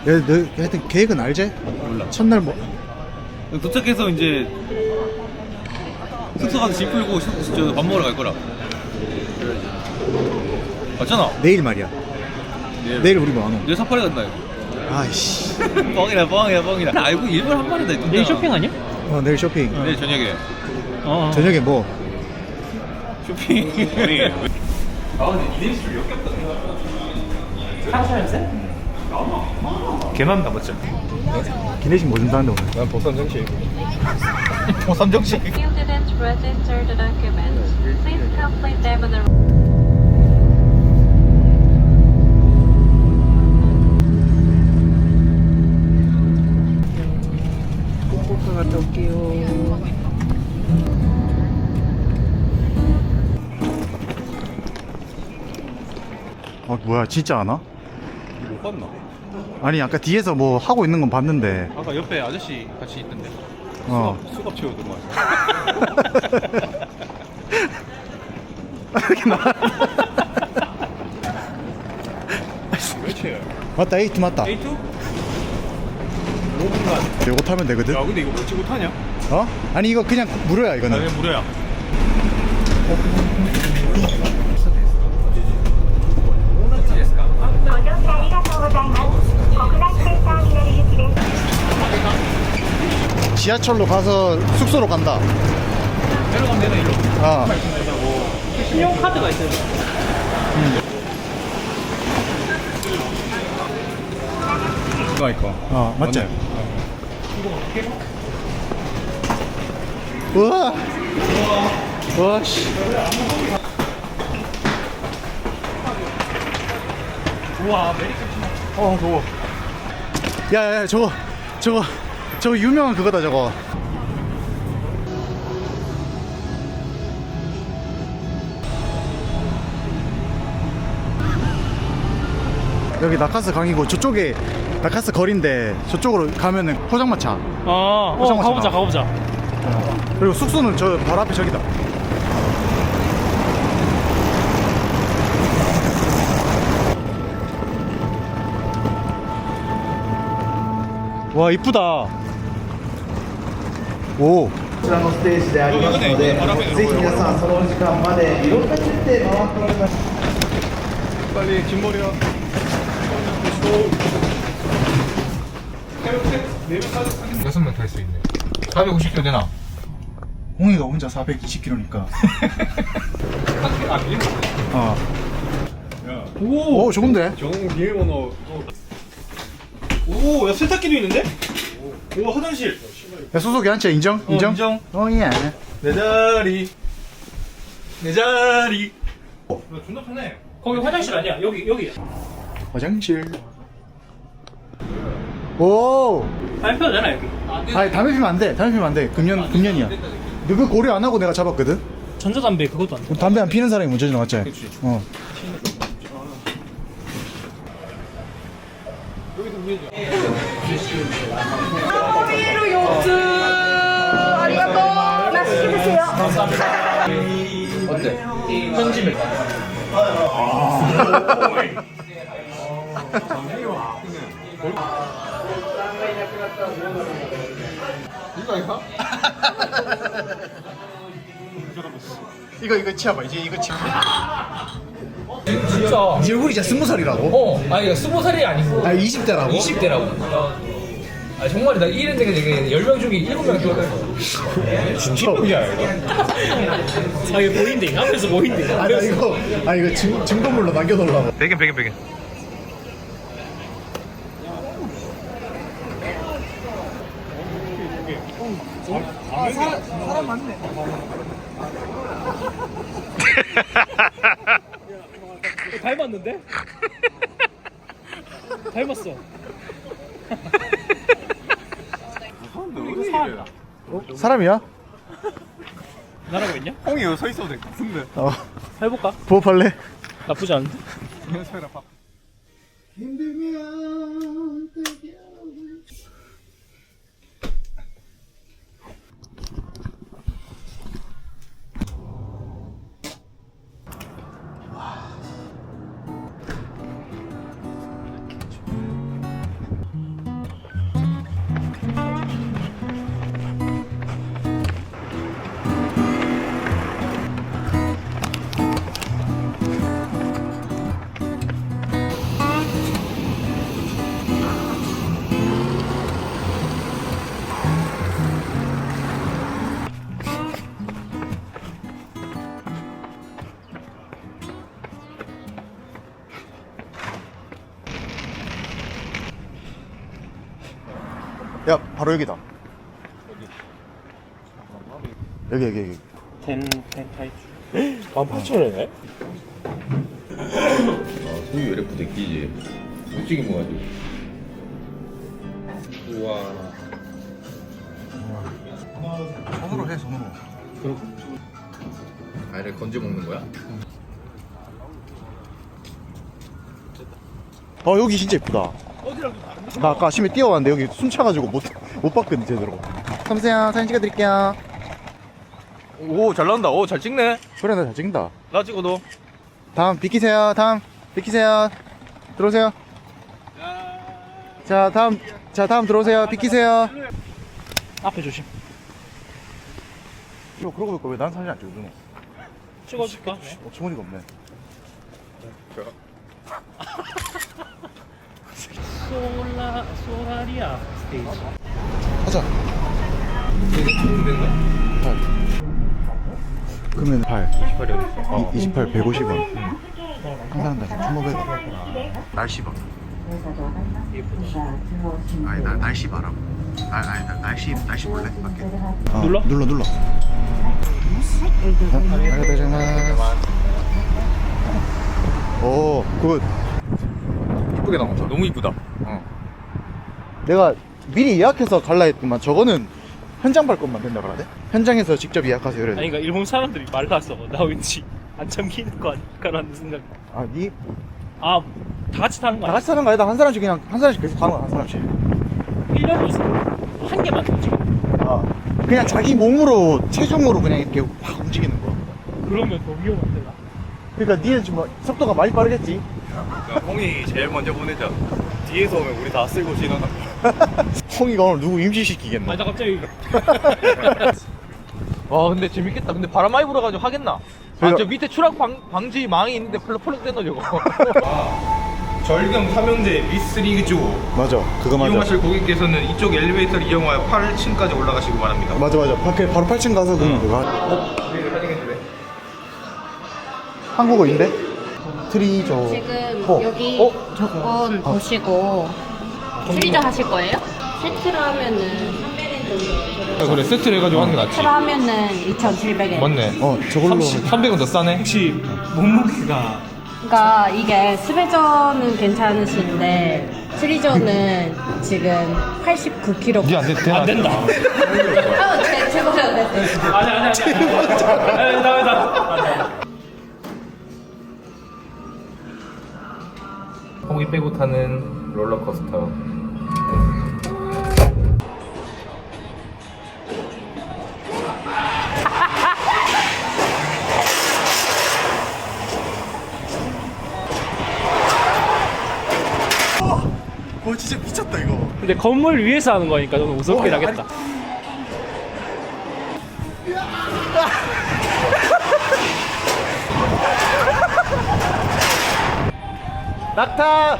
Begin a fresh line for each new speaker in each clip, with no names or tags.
너 하여튼 계획은 알지?
몰라.
첫날 뭐
도착해서 이제 숙소 가서 짐 풀고 밥 먹으러 갈 거라. 맞잖아.
내일 말이야. 내일 우리 뭐 하노?
내일 사파리 간다 이거.
아이씨.
뻥이다 뻥이다. 알고 일본 한 마리다.
내일 쇼핑 아니야?
내일 쇼핑.
내일 저녁에.
저녁에 뭐?
쇼핑. 아 근데 이대리 술 역겹다.
한살 냄새?
개만 남았죠.
기내식 뭐 준다는데 오늘?
난 보쌈 정식. 보쌈 정식.
You didn't register the documents. Please complete them on the
꼭 갔다 올게요. 뭐야 진짜 안 와?
못 봤나?
아니 아까 뒤에서 뭐 하고 있는 건 봤는데.
아까 옆에 아저씨 같이 있던데. 수갑 채우더만. 왜 채요?
맞다 에이트 맞다.
A2?
이거 타면 되거든.
야 근데 이거 뭐 찍고 타냐?
어? 아니 이거 그냥 무료야 이거는.
그냥 무료야.
지하철로 가서 숙소로 간다.
내려가면 되나 일로?
아.
신용카드가 있어요.
이거 이거.
맞지? 우와. 우와 씨.
우와, 메리카.
더워. 야야 저거 유명한 그거다 저거. 여기 나카스 강이고 저쪽에 나카스 거리인데 저쪽으로 가면은 포장마차.
가보자, 가보자.
그리고 숙소는 저 바로 앞에 저기다. 와 이쁘다. 오.
こちらのステージでありますので、ぜひ皆さんそのお時間までいろんな設定回っております。
빨리 긴머리야. 여섯 명 탈 수 있네. 450km 되나?
홍이가 혼자 420km니까. 어. 오 좋은데?
정 비밀번호. 오, 야 세탁기도 있는데? 오, 화장실.
야 소속이 한 채 인정? 인정?
인정.
예.
내 자리. 내 자리. 야, 존나 편해.
거기 화장실 아니야? 여기.
화장실. 오.
발표 되나, 여기?
아니 담배 피면 안 돼. 담배 피면 안 돼. 금년이야. 너 그 고려 안 하고 내가 잡았거든.
전자담배 그것도 안 돼.
담배 안 피는 사람이 문제지 맞지?
그치.
어.
편집을.
이거 치아봐. 이제 이거 치아.
진짜.
이제 우리 이제 20살이라고?
아니, 20살이 아니고.
아 20대라고?
20대라고. 아, 정말이다. 이런 데가 되게 10명 중에 7명 죽었어.
진짜?
아, 이거 보인대. 앞에서 보인대.
아 이거 증거물로 남겨놓으려고.
배경.
사람 많네.
닮았는데? 닮았어.
사람이야?
나라고 있냐?
홍이 여기 서 있어도 될 것 같은데.
해볼까?
부업할래?
나쁘지 않은데?
야 바로 여기다. 여기.
18,000원이네?
소유 LF 데끼지. 솔직히 뭐가지고. 우와.
손으로 해 손으로.
아이를 건져 먹는 거야?
여기 진짜 이쁘다. 나 아까 아침에 뛰어왔는데 여기 숨차가지고 못 봤거든 제대로. 삼세요 사진 찍어드릴게요.
오, 잘 나온다. 오, 잘 찍네.
그래 나 잘 찍는다.
나 찍어도.
다음 비키세요. 비키세요. 들어오세요. 자 다음 들어오세요. 비키세요.
앞에 조심.
이거 그러고 보니까 왜 난 사진 안 찍어주노?
찍어줄까?
주머니가 없네.
소라리아 스테이지.
가자. 그러면 8
28이 어딨어?
28 150원. 한 사람당 1,500원. 날씨 봐. 아니 나 날씨 봐라고. 날씨 볼래? 밖에.
눌러?
눌러. 오, 굿.
이쁘게 나왔다.
너무 이쁘다.
내가 미리 예약해서 갈라 했더만 저거는 현장 발권만 된다 그러네? 현장에서 직접 예약하세요 이래.
아니 그러니까 일본 사람들이 말라서 나 왠지 안 참기는 거 아닐까라는 생각.
아, 니?
아, 다 같이 타는 거
다
아니야?
같이 사는 거 아니다. 한 사람씩 계속 가는 거야, 한 사람씩.
1년에 한 개만 더 찍어.
아, 그냥 자기 몸으로, 체중으로 그냥 이렇게 확 움직이는 거.
그러면 더 위험한데 나.
그러니까 니는 지금 속도가 많이 빠르겠지?
홍이 제일 먼저 보내자. 뒤에서 오면 우리 다 쓸고 지나가.
홍이가 오늘 누구 임시시키겠나?
아니 나 갑자기
와, 근데 재밌겠다. 근데 바람 많이 불어가지고 하겠나?
그래요.
저 밑에 추락 방지 망이 있는데 펄럭펄럭 떼너 저거. 절경 삼형제 미스리그 쪽
맞아, 그거 맞아.
이용하실 고객께서는 이쪽 엘리베이터를 이용하여 8층까지 올라가시고 바랍니다.
맞아. 바로 8층 가서 그거. 한국어인데? 트리저.
지금
어.
여기
어?
조건 보시고 트리저 하실 거예요? 세트로 하면은 300엔 정도.
그래, 세트를 해가지고 하는 게 낫지.
세트로 하면은 2,700엔.
맞네.
저걸로.
300원 더 싸네.
혹시 몸무게가
그러니까 이게 스베저는 괜찮으신데 트리저는 지금 89kg.
니안 돼,
안 된다.
제보세요. 네.
아니 나.
홍이 빼고 타는 롤러코스터.
진짜 미쳤다 이거.
근데 건물 위에서 하는 거니까 좀 무섭게 나겠다.
낙타.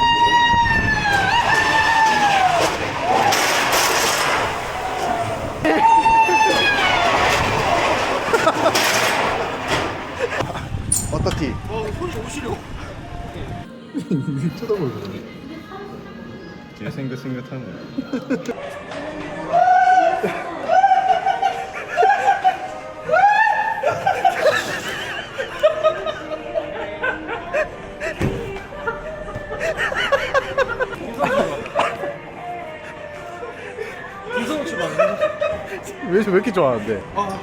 어떻디?
손이 너무 시려.
쳐다보고.
생긋생긋하네.
이성우 출발.
왜 이렇게 좋아하는데?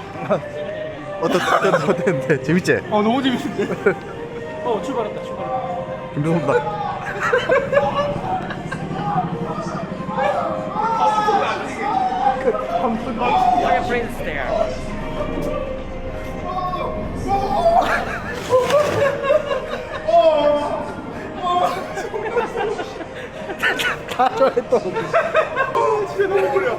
어땠는데? 재밌지?
너무 재밌는데.
출발했다.
김종섭다. 다 좋아했던.
진짜 너무 무려.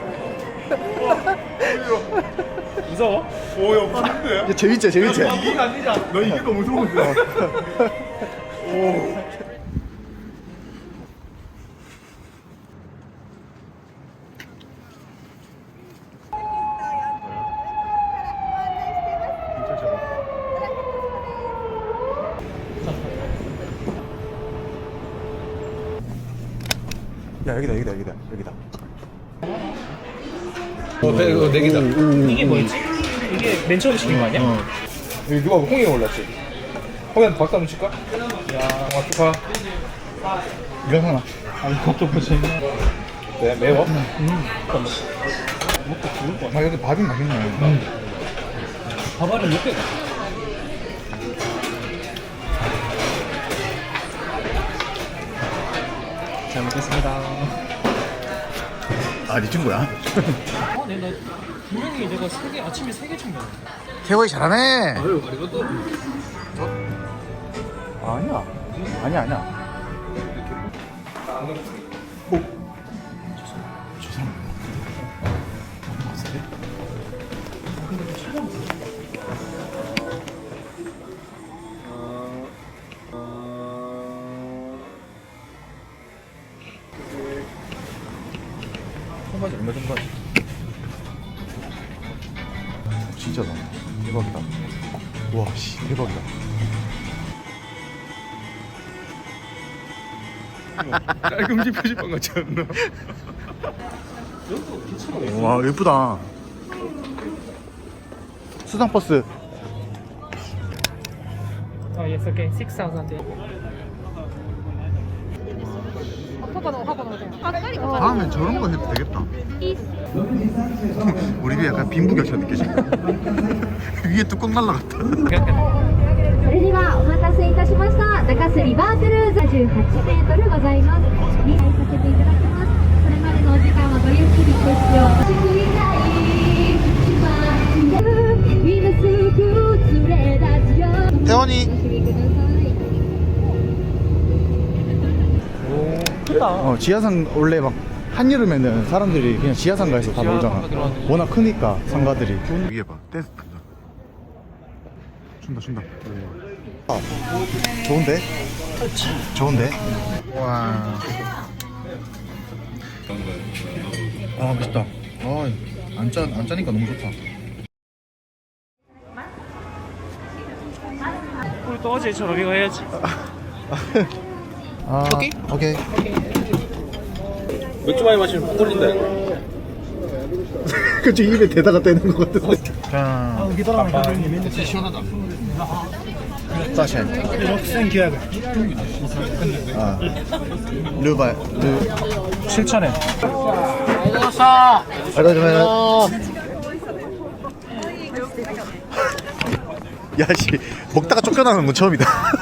무서워?
오야 무서운데?
재밌지?
이게 안 되지 않아?
너 이게 더 무서운데? 오.
야 여기다.
이거 네 개다.
이게 뭐였지? 이게 맨 처음 시킨 거 아니야?
여기 누가 홍이 올랐지? 홍이한테 박수 한번 칠까? 야, 정말 축하.
이거 하나.
네, 매워?
아, 여기 밥이 맛있네.
밥알은 몇 개? 잘 먹겠습니다.
아, 네 친구야?
나 분명히 내가 아침에 3개 챙겼는데.
태호이 잘하네.
아유, 이것도.
아니야. 아니야. 저 사람.
청바지 얼마 정도 하지?
진짜다. 대박이다. 와, 씨, 대박이다.
깔끔지 표지판 같지 않나?
와, 예쁘다. 수상버스.
yes, okay. 6,000.
다음엔 저런 거 해도 되겠다. 우리 집에 약간 빈부격차 느껴진다. 위에 뚜껑 날라갔다.
それではお待たせいたしました。中洲リバークルーズ18メートルございます。理解させていただきます。これまでのお時間はごゆっくりご使用。救いたい島今すぐ連れ出すよ。
태원이.
お楽しみください。
지하상 원래 막 한여름에는 사람들이 그냥 지하상가에서 다 놀잖아. 워낙 크니까 상가들이. 위에 봐, 댄스 춘다. 아, 좋은데? 좋은데? 와. 아, 맛있다. 아, 안 짜니까 너무 좋다.
우리 또 어제처럼 이거 해야지.
아, 오케이.
맥주 많이 마시면 뽕 걸린다.
그치, 입에 대다가 떼는 것 같은데. 자,
진짜 시원하다.
사셴. 아, 르바,
7,000엔.
야, 씨, 먹다가 쫓겨나는 건 처음이다.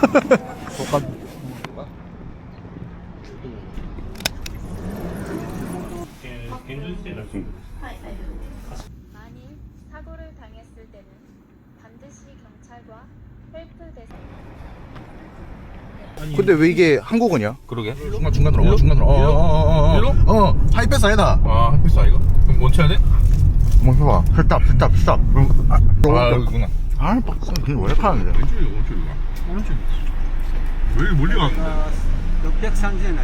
만일 사고를 당했을 때는 반드시 경찰과 헬프 대상
근데 왜 이게 한국어냐?
그러게.
중간으로.
일로?
하이패스 아니다.
아, 햇빛 아이가? 그럼 뭐 쳐야 돼?
뭐 해봐. 스탑.
아, 여기구나.
아, 빡세. 그게 왜 이렇게 하는 거야?
오른쪽이야. 왜 이렇게 멀리 갔는데?
630엔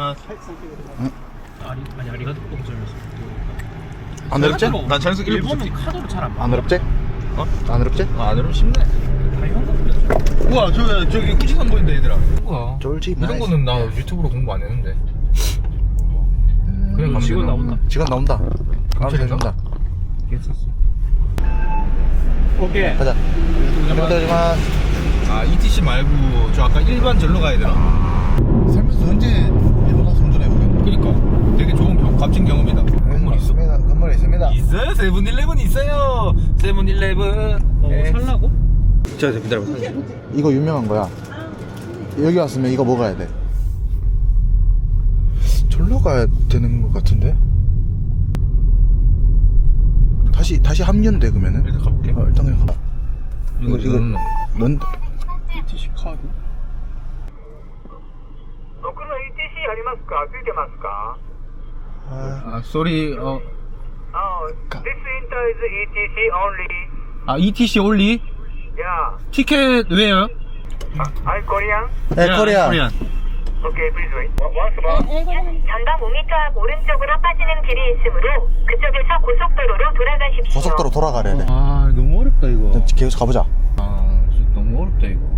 아니 아리가도 똥점이었어.
안 어렵지?
난 자연스럽게
일본은 카드로 잘 안 봐.
안 어렵지? 안 어렵지?
아, 너무 쉽네.
다 현금.
우와, 저기 꾸지산 보인다, 얘들아. 뭐야?
쫄지
이런 거는 나 유튜브로 공부 안 했는데. 그냥 가면
직원
되나?
나온다.
지금 나온다. 감사 해준다.
괜찮았어.
오케이.
가자. 감사드리만.
아, ETC 말고 저 아까 일반 절로 가야 되나?
살면서 언제 일본 가서 운전해보겠노?
그니까 되게 좋은 값진 경험이다. 건물 있어?
건물에 있습니다.
있어요. 세븐일레븐 있어요. 세븐일레븐.
살라고?
자, 기다려봐.
이거 유명한 거야. 여기 왔으면 이거 먹어야 돼. 절로 가야 되는 것 같은데? 다시 합류인데 그러면은?
일단 가볼게.
일단 그냥 가봐. 이거 넌
ETC 카드?
僕の ETC ありますかついてますか
아, sorry.
This winter is ETC only.
아, ETC only?
Yeah.
티켓 where?
I Korean?
네, 코리아.
Okay, please wait. Once more.
전방 5m 앞 오른쪽으로 빠지는 길이 있으므로 그쪽에서 고속도로로 돌아가십시오.
고속도로 돌아가래. 돼.
아, 너무 어렵다, 이거.
계속 가보자.
아, 진짜 너무 어렵다, 이거.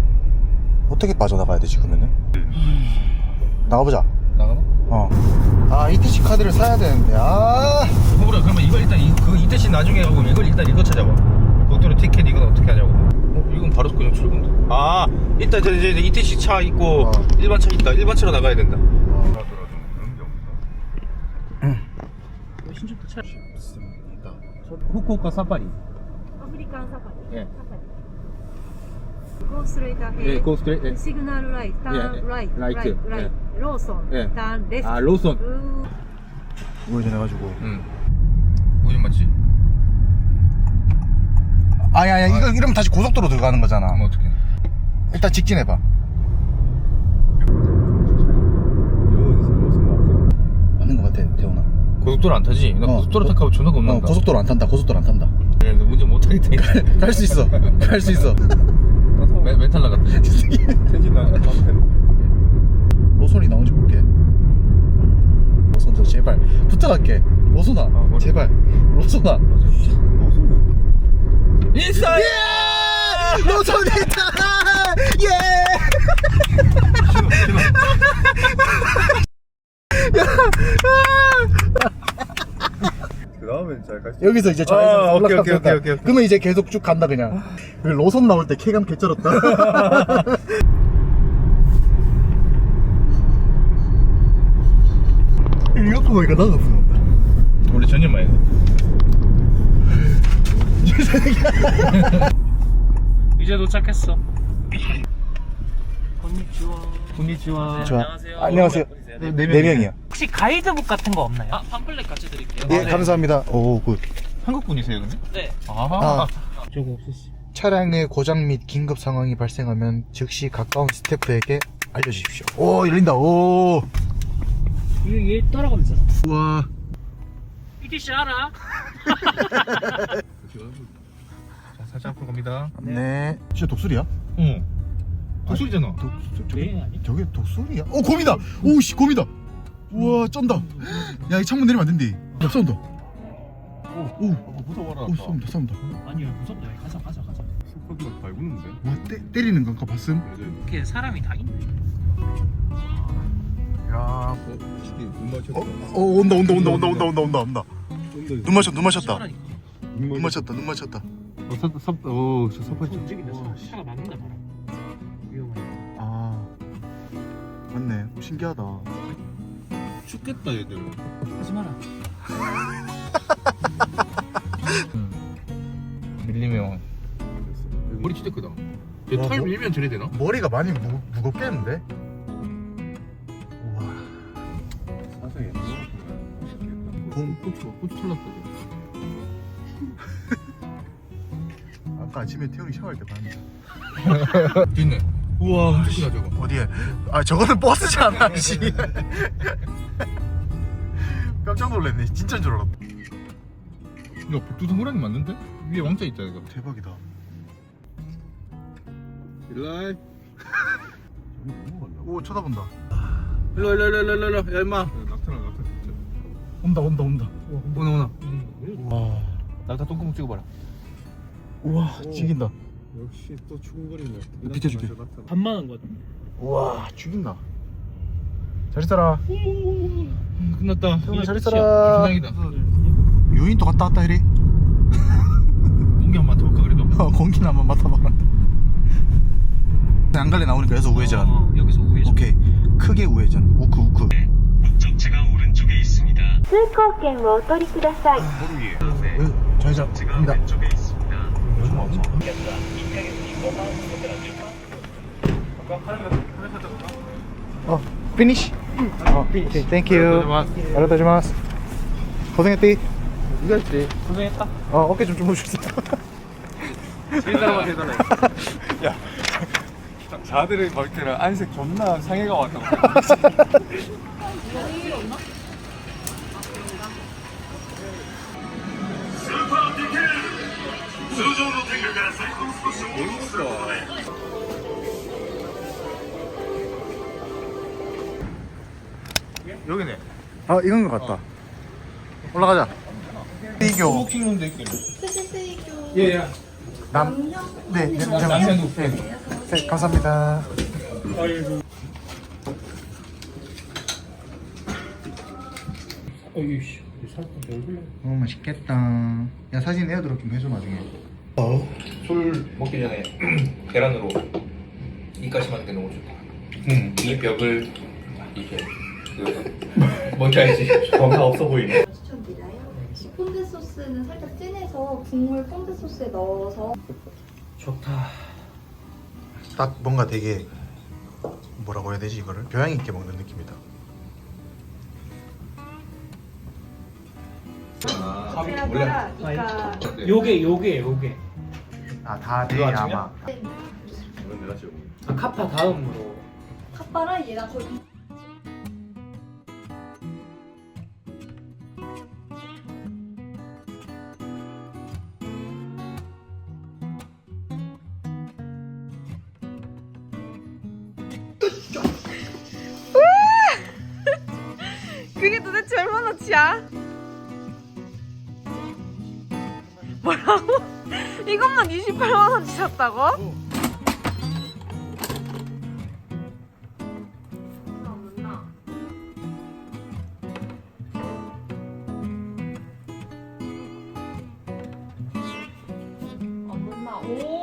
어떻게 빠져나가야 되지 그러면은? 나가보자.
나가나?
아 ETC 카드를 사야 되는데
호불아 그러면 이걸 일단 그 이때씩 나중에 하고 이걸 일단 이거 찾아봐. 고속도로 티켓 이건 어떻게 하냐고. 이건 바로 그냥 출근데. 아 일단 이제 이때씩 차 있고 일반 차 있다. 일반 차로 나가야 된다.
신촌도 차.
후쿠오카 사파리.
アフリカンサファリ。
예.
サファリ。Go straight ahead.
예, go straight. 예.
Signal right. Turn
예, 예.
right.
Right.
Right. Right. 로손.
예.
Turn left.
아 로손.
우회전해가지고
응. 우회전 맞지?
아야 이거 이러면 다시 고속도로 들어가는 거잖아.
그럼 어떻게?
일단 직진해봐. 맞는 거 같아 태훈아.
고속도로 안 타지? 나 고속도로 타고 존나 겁난다.
고속도로 안 탄다. 고속도로 안 탄다.
네, 너 운전 못 하겠다니까.
갈 수 있어. 갈 수 있어.
멘탈 나갔다.
로손이 나오는지 볼게. 로손 저 제발 부탁할게. 로손아 제발. 로손아.
인싸!
예! 로손이 있다. 예!
그 다음엔 잘 갈 수.
여기서 이제 좌회전
오케이,
올라갔다.
오케이, 오케이.
그러면 이제 계속 쭉 간다 그냥. 그 로손 나올 때 쾌감 개쩔었다. 이거 보니까 나도 부럽다.
원래 전혀 많이 가.
이제 도착했어.
군니치와.
좋아.
안녕하세요.
안녕하세요. 네 명이요.
혹시 가이드북 같은 거 없나요? 아, 팜플렛 같이 드릴게요.
예, 감사합니다. 오, 굿.
한국 분이세요, 근데?
네.
아.
저거 없었어.
차량의 고장 및 긴급 상황이 발생하면 즉시 가까운 스태프에게 알려주십시오. 오, 열린다. 오.
얘 따라가면 되잖아.
우와.
ETC 알아?
자, 살짝 앞으로 갑니다.
네. 진짜 독수리야?
응. 독수리잖아.
네, 아니?
저게 독수리야? 오, 곰이다. 오, 씨, 곰이다. 우와, 쩐다. 야, 이 창문 내리면 안 된대. 야, 싸운다. 오,
무서워라.
오, 싸운다.
아니요, 무섭다. 가자.
스쿼드가 밟는데.
뭐 때리는 건가 봤음?
이렇게 사람이 다 있네.
야,
시기 눈 맞췄다.
온다. 눈 마셨다.
시원하니까.
눈 마셨다.
저 서파지.
움직인다. 차가 막는다 바로. 위험하니까.
아, 맞네. 신기하다.
춥겠다, 얘들.
하지 마라.
밀리면. 머리 진짜 크다.
와,
얘털
뭐-
밀면 저래 되나?
머리가 많이 무겁겠는데? 우와.
사상에
고추 털났다.
아까 아침에 태훈이 샤워할 때 봤는데.
있네. 우와, 엄청 크다, 저거.
어디에? 아, 저거는 버스잖아, 씨. 깜짝 놀랐네. 진짜인 줄 알았다.
야, 백두산 호랑이 맞는데? 위에 왕자 있잖아, 이거.
대박이다.
일라이.
오, 쳐다본다.
일로. 야, 임마.
낙타나 진짜.
온다.
오나.
와,
낙타 똥구멍 찍어봐라.
우와, 죽인다.
역시 또 추궁거리네.
비켜줄게.
반만한 거 같아.
우와, 죽인다. 잘 있어라.
끝났다.
태훈아, 잘 있어라.
주장이다.
유인 또 갔다 왔다 해리.
공기 한 번 맡아볼까, 그래도?
공기나 한번 맡아봐라. 안 갈래 나오니까 여기서 우회전.
여기서 우회전.
오케이. 크게 우회전. 우크.
通行券をお取りください。
좌회전입니다. 피니시. 오케이, 땡큐. 알았다지마스. 고생했디.
이거 했지.
고생했다.
어깨 좀 주무셨어.
대단해.
자들을 볼 때는 안색 존나 상해가 왔다고.
여기네.
아, 이건 것 같다. 올라가자. 이교.
스모킹룸도 있겠네. 예.
네,
남편도.
네, 감사합니다.
어이씨, 살짝 얼굴.
맛있겠다. 야 사진 에어드롭 좀 해줘 나중에.
술 먹기 전에 계란으로 입가심 하는 게 너무 좋다. 이 벽을 이렇게 뭔지 알지? 뭔가 없어 보이네.
추천드려요. 폰드 소스는 살짝 진해서 국물 폰드 소스에 넣어서
좋다.
딱 뭔가 되게 뭐라고 해야 되지 이거를 교양 있게 먹는 느낌이다.
세라가라 이까
요게.
아 다대야마.
아, 카파 다음으로.
핫바랑 얘랑 거의
그게 도대체 얼마나치야? 뭐라고? 이것만 28만원치 샀다고? 안 붙나? 오